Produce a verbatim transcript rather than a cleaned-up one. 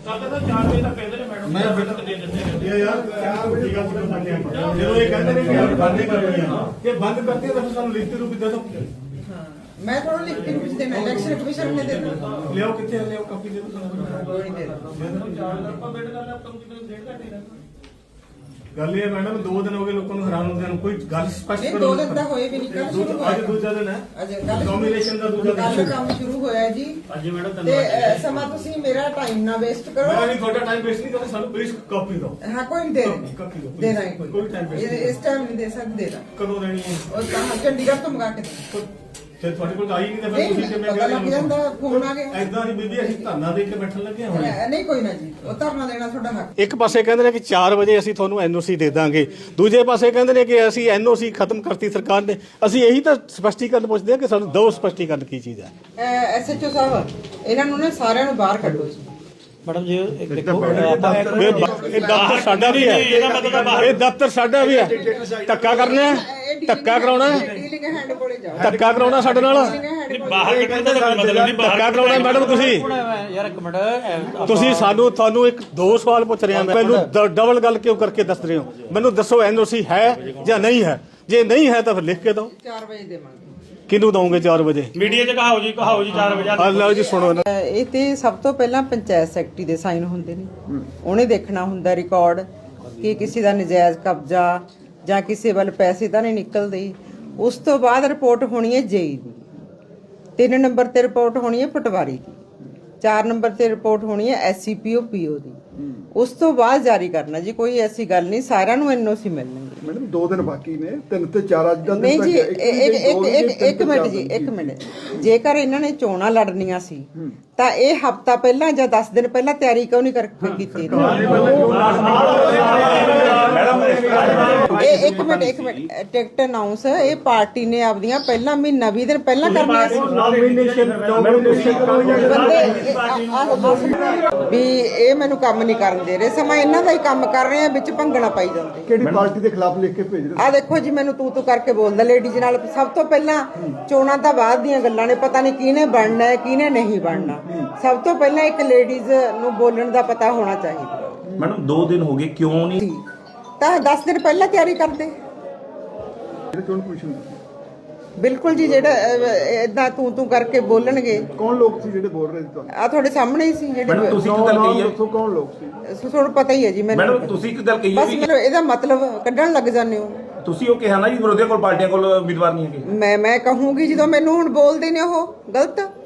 ਚਾਰ ਵਜੇ ਤੱਕ ਕਹਿੰਦੇ ਨੇ ਮੈਡਮ ਮੈਂ ਤੱਕ ਦੇ ਦਿੰਦੇ ਇਹ ਯਾਰ ਚਾਰ ਵੱਡੀ ਗੱਲ ਕਿਉਂ ਕਰਦੇ ਆਪਾਂ ਜਦੋਂ ਇਹ ਕਹਿੰਦੇ ਨੇ ਕਿ ਬੰਦ ਕਰਨੀ ਆ ਕਿ ਬੰਦ ਕਰਤੀ ਤਾਂ ਸਾਨੂੰ ਲਿਖਤੀ ਰੂਪ ਦੇ ਦਿਓ। मैं थोड़ा लिख के कुछ देना इलेक्शन कमीशन ने देना ਲਿਆਓ ਕਿੱਥੇ ਲਿਆਓ ਕਾਪੀ ਦੇ ਦਿਓ ਸਾਨੂੰ। कोई नहीं देना ਆਪਾਂ ਵੇਟ ਕਰਨਾ ਆਪਾਂ ਨੂੰ ਕਿਤੇ ਡੇਢ ਘੰਟੇ ਰਹਿਣਾ ਗੱਲ ਇਹ ਮੈਡਮ ਦੋ ਦਿਨ ਹੋ ਗਏ ਲੋਕਾਂ ਨੂੰ ਹੈਰਾਨ ਹੁੰਦਿਆਂ ਨੂੰ ਕੋਈ ਗੱਲ ਸਪਸ਼ਟ नहीं ਕਰੋ। दो दिन तक होए भी नहीं कल शुरू ਅੱਜ ਦੂਜਾ ਦਿਨ ਹੈ अजय कल ਨੋਮੀਨੇਸ਼ਨ ਦਾ ਦੂਜਾ कल ਦਿਨ काम शुरू होया है जी ਅੱਜ ਮੈਡਮ ਤੇ ਅ, ਸਮਾਂ ਤੁਸੀਂ ਮੇਰਾ ਟਾਈਮ ਨਾ ਵੇਸਟ ਮੈਂ ਕਰੋ ਨਹੀਂ ਤੁਹਾਡਾ ਟਾਈਮ ਵੇਸਟ ਨਹੀਂ ਕਰਦਾ ਸਾਨੂੰ ਪਲੀਜ਼ ਕਾਪੀ ਦਿਓ। ਹਾਂ ਕੋਈ ਨਹੀਂ ਦੇ ਕਾਪੀ ਦਿਓ ਦੇ ਦਾਂਗੇ ਕੋਈ ਟਾਈਮ ਵੇਸਟ ਇਹ- ਇਸ ਟਾਈਮ ਨਹੀਂ ਦੇ ਸਕਦੇ ਦੇ ਦਾਂ ਕਦੋਂ ਦੇਣੀ ਹੈ ਉਹ ਤਾਂ ਚੰਡੀਗੜ੍ਹ ਤੋਂ ਮੰਗਾ ਕੇ ਦੇ। ਤੇ ਤੁਹਾਡੇ ਕੋਲ ਆਈ ਨਹੀਂ ਤਾਂ ਫਿਰ ਨਹੀਂ ਤੁਸੀਂ ਕਿਵੇਂ ਪਤਾ ਲੱਗ ਜਾਂਦਾ ਫੋਨ ਆ ਗਿਆ ਐਦਾਂ ਦੀ ਬੀਬੀ ਅਸੀਂ ਧਰਨਾ ਦੇ ਕੇ ਬੈਠਣ ਲੱਗੇ ਹੁਣ ਅ, ਨਹੀਂ ਕੋਈ ਨਾ ਜੀ ਉਹ ਧਰਨਾ ਦੇਣਾ ਤੁਹਾਡਾ ਹੱਕ ਇੱਕ ਪਾਸੇ ਕਹਿੰਦੇ ਨੇ ਕਿ ਚਾਰ ਵਜੇ ਅਸੀਂ ਤੁਹਾਨੂੰ ਐਨਓਸੀ ਦੇ ਦਾਂਗੇ, ਦੂਜੇ ਪਾਸੇ ਕਹਿੰਦੇ ਨੇ ਕਿ ਅਸੀਂ ਐਨਓਸੀ ਖਤਮ ਕਰਤੀ ਸਰਕਾਰ ਨੇ। ਅਸੀਂ ਇਹੀ ਤਾਂ ਸਪਸ਼ਟੀਕਰਨ ਪੁੱਛਦੇ ਹਾਂ ਕਿ ਸਾਨੂੰ ਦੋ ਸਪਸ਼ਟੀਕਰਨ ਕੀ ਚੀਜ਼ ਹੈ। ਐਸਐਚਓ ਸਾਹਿਬ ਇਹਨਾਂ ਨੂੰ ਨਾ ਸਾਰਿਆਂ ਨੂੰ ਬਾਹਰ ਕੱਢੋ ਜੀ ਮੈਡਮ ਜੀ ਇੱਕ ਦੇਖੋ ਇਹ ਦਫ਼ਤਰ ਸਾਡਾ ਵੀ ਹੈ, ਇਹ ਦਫ਼ਤਰ ਸਾਡਾ ਵੀ ਹੈ। ਧੱਕਾ ਕਰਨਾ ਹੈ, ਧੱਕਾ ਕਰਾਉਣਾ ਹੈ, ਡੀਲਿੰਗ ਹੈਂਡ ਕੋਲੇ ਜਾਓ ਧੱਕਾ ਕਰਾਉਣਾ ਸਾਡੇ ਨਾਲ, ਬਾਹਰ ਕੱਢਣ ਦਾ ਕੋਈ ਮਤਲਬ ਨਹੀਂ ਧੱਕਾ ਕਰਾਉਣਾ ਮੈਡਮ। ਤੁਸੀਂ ਯਾਰ ਇੱਕ ਮਿੰਟ ਇਹ ਤੁਸੀਂ ਸਾਨੂੰ ਤੁਹਾਨੂੰ ਇੱਕ ਦੋ ਸਵਾਲ ਪੁੱਛ ਰਹੇ ਹਾਂ, ਮੈਨੂੰ ਡਬਲ ਗੱਲ ਕਿਉਂ ਕਰਕੇ ਦੱਸ ਰਹੇ ਹੋ? ਮੈਨੂੰ ਦੱਸੋ ਐਨਓਸੀ ਹੈ ਜਾਂ ਨਹੀਂ ਹੈ? ਜੇ ਨਹੀਂ ਹੈ ਤਾਂ ਫਿਰ ਲਿਖ ਕੇ ਦਿਓ। ਚਾਰ ਵਜੇ ਦੇਵਾਂਗੇ ਕਿਹਨੂੰ ਦਵੋਗੇ ਚਾਰ ਵਜੇ? ਮੀਡੀਆ 'ਚ ਕਹਾਓ ਜੀ ਕਹਾਓ ਜੀ ਚਾਰ ਵਜੇ ਆ ਲਓ ਜੀ ਸੁਣੋ ਨਾ। ਅਹ ਇਹ ਤੇ ਸਭ ਤੋਂ ਪਹਿਲਾਂ ਪੰਚਾਇਤ ਸੈਕਟਰੀ ਦੇ ਸਾਈਨ ਹੁੰਦੇ ਨੇ, ਉਹਨੇ ਦੇਖਣਾ ਹੁੰਦਾ ਰਿਕਾਰਡ ਕਿ ਕਿਸੇ ਦਾ ਨਜਾਇਜ਼ ਕਬਜ਼ਾ ਜਾਂ ਕਿਸੇ ਵੱਲ ਪੈਸੇ ਤਾਂ ਨਹੀਂ ਨਿਕਲਦੇ। ਉਸ ਤੋਂ ਬਾਅਦ ਰਿਪੋਰਟ ਹੋਣੀ ਹੈ ਜੇਈ ਦੀ, ਤਿੰਨ ਨੰਬਰ ਤੇ ਰਿਪੋਰਟ ਹੋਣੀ ਹੈ ਪਟਵਾਰੀ ਦੀ, ਚਾਰ ਨੰਬਰ ਤੇ ਰਿਪੋਰਟ ਹੋਣੀ ਹੈ ਐਸਸੀਪੀਓ ਪੀਓ ਦੀ। ਉਸ ਤੋਂ ਬਾਅਦ ਜਾਰੀ ਕਰਨਾ ਜੀ, ਕੋਈ ਐਸੀ ਗੱਲ ਨਹੀਂ, ਸਾਰਿਆਂ ਨੂੰ ਐਨਓਸੀ ਮਿਲਣਗੇ। ਮੈਡਮ ਦੋ ਦਿਨ ਬਾਕੀ ਨੇ, ਤਿੰਨ ਤੇ ਚਾਰ ਅੱਜ ਦਾ ਦਿਨ ਨਹੀਂ ਤੱਕ ਜੀ ਹੈ। ਇੱਕ ਇੱਕ ਇੱਕ ਇੱਕ ਮਿੰਟ ਜੀ ਇੱਕ ਮਿੰਟ ਜੇਕਰ ਇਹਨਾਂ ਨੇ ਚੋਣਾਂ ਲੜਨੀਆਂ ਸੀ ਤਾਂ ਇਹ ਹਫਤਾ ਪਹਿਲਾਂ ਜਾਂ ਦਸ ਦਿਨ ਪਹਿਲਾਂ ਤਿਆਰੀ ਕਿਉਂ ਨਹੀਂ ਕਰਕੇ ਕੀਤੀ ਇਹ ਇੱਕ ਮਿੰਟ ਇੱਕ ਮਿੰਟ ਟਿਕਟ ਅਨਾਉਂਸ ਇਹ ਪਾਰਟੀ ਨੇ ਆਪਦੀਆਂ ਪਹਿਲਾਂ ਮਹੀਨਾ ਵੀਹ ਦਿਨ ਪਹਿਲਾਂ ਕਰਨੀਆਂ ਸੀ ਨੋਮੀਨੇਸ਼ਨ ਨੋਮੀਨੇਸ਼ਨ ਬੰਦੇ ਵੀ ਇਹ ਮੈਨੂੰ ਕੰਮ ਨਹੀਂ ਕਰਨ ਦੇ ਰਹੇ, ਸਮਾਂ ਇਹਨਾਂ ਦਾ ਹੀ ਕੰਮ ਕਰ ਰਹੇ ਆ, ਵਿੱਚ ਭੰਗਣਾ ਪਾਈ ਜਾਂਦੇ। ਕਿਹੜੀ ਪਾਰਟੀ ਦੇ ਖਿਲਾਫ ਲਿਖ ਕੇ ਭੇਜ ਰਹੇ? ਆ ਦੇਖੋ ਜੀ ਮੈਨੂੰ ਤੂੰ ਤੂੰ ਕਰਕੇ ਬੋਲਦਾ ਲੇਡੀਜ਼ ਨਾਲ। ਸਭ ਤੋਂ ਪਹਿਲਾਂ ਚੋਣਾਂ ਤਾਂ ਬਾਅਦ ਦੀਆਂ ਗੱਲਾਂ ਨੇ, ਪਤਾ ਨਹੀਂ ਕਿਹਨੇ ਬਣਨਾ ਹੈ ਕਿਹਨੇ ਨਹੀਂ ਬਣਨਾ। ਸਭ ਤੋਂ ਪਹਿਲਾਂ ਇੱਕ ਲੇਡੀਜ਼ ਨੂੰ ਬੋਲਣ ਦਾ ਪਤਾ ਹੋਣਾ ਚਾਹੀਦਾ। ਮੈਡਮ ਦੋ ਦਿਨ ਹੋ ਗਏ ਕਿਉਂ ਨਹੀਂ? ਤਾਂ ਦਸ ਦਿਨ ਪਹਿਲਾਂ ਤਿਆਰੀ ਕਰਦੇ। ਜਿਹੜੇ ਚੋਣ ਕਮਿਸ਼ਨ ਦੇ। ਬਿਲਕੁਲ ਜੀ, ਜਿਹੜਾ ਇਦਾਂ ਤੂੰ ਤੂੰ ਕਰਕੇ ਬੋਲਣਗੇ। ਕੌਣ ਲੋਕ ਸੀ ਜਿਹੜੇ ਬੋਲ ਰਹੇ ਸੀ ਤੁਹਾਨੂੰ? ਆ ਤੁਹਾਡੇ ਸਾਹਮਣੇ ਹੀ ਸੀ ਮੈਡਮ ਜਿਹੜੇ। ਤੁਸੀਂ ਇੱਕ ਗੱਲ ਕਹੀ ਹੈ, ਦੱਸੋ ਕੌਣ ਲੋਕ ਸੀ? ਤੁਹਾਨੂੰ ਪਤਾ ਹੀ ਹੈ ਜੀ ਮੈਨੂੰ। ਮੈਡਮ ਤੁਸੀਂ ਇੱਕ ਗੱਲ ਕਹੀ ਹੈ ਬਸ ਵੀ ਮੈਨੂੰ ਇਹਦਾ ਮਤਲਬ ਕੱਢਣ ਲੱਗ ਜਾਂਦੇ ਹੋ। ਤੁਸੀਂ ਉਹ ਕਿਹਾ ਨਾ ਜੀ ਵਿਰੋਧੀਆਂ ਕੋਲ ਪਾਰਟੀਆਂ ਕੋਲ ਉਮੀਦਵਾਰ ਨਹੀਂ ਹੈਗੇ। ਮੈਂ ਮੈਂ ਕਹੂੰਗੀ ਜਦੋਂ ਮੈਨੂੰ ਹੁਣ ਬੋਲਦੇ ਨੇ ਉਹ ਗਲਤ।